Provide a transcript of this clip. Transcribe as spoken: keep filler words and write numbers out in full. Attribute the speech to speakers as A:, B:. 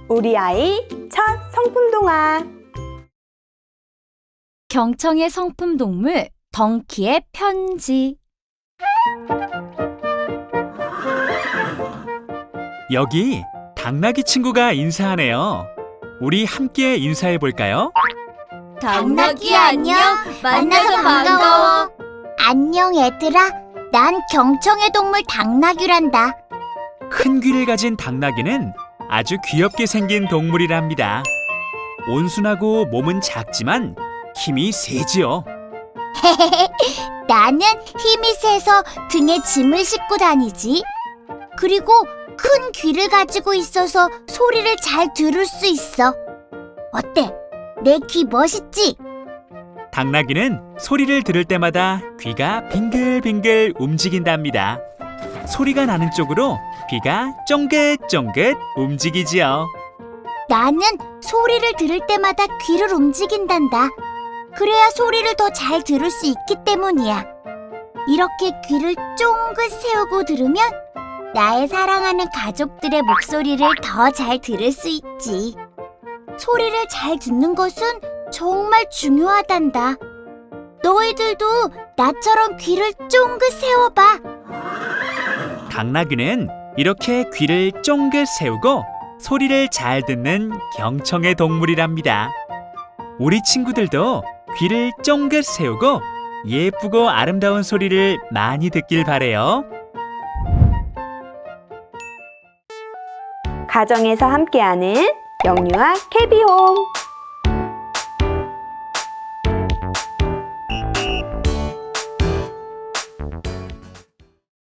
A: 우리 아이 첫 성품 동화.
B: 경청의 성품 동물 덩키의 편지.
C: 여기 당나귀 친구가 인사하네요. 우리 함께 인사해 볼까요?
D: 당나귀 안녕. 만나서 반가워. 안녕 얘들아. 난 경청의 동물 당나귀란다.
C: 큰 귀를 가진 당나귀는 아주 귀엽게 생긴 동물이랍니다. 온순하고 몸은 작지만 힘이 세지요.
D: 나는 힘이 세서 등에 짐을 싣고 다니지. 그리고 큰 귀를 가지고 있어서 소리를 잘 들을 수 있어. 어때? 내 귀 멋있지?
C: 당나귀는 소리를 들을 때마다 귀가 빙글빙글 움직인답니다. 소리가 나는 쪽으로 귀가 쫑긋쫑긋 움직이지요.
D: 나는 소리를 들을 때마다 귀를 움직인단다. 그래야 소리를 더 잘 들을 수 있기 때문이야. 이렇게 귀를 쫑긋 세우고 들으면 나의 사랑하는 가족들의 목소리를 더 잘 들을 수 있지. 소리를 잘 듣는 것은 정말 중요하단다. 너희들도 나처럼 귀를 쫑긋 세워봐.
C: 당나귀는 이렇게 귀를 쫑긋 세우고 소리를 잘 듣는 경청의 동물이랍니다. 우리 친구들도 귀를 쫑긋 세우고 예쁘고 아름다운 소리를 많이 듣길 바래요.
A: 가정에서 함께하는 영유아 캐비홈.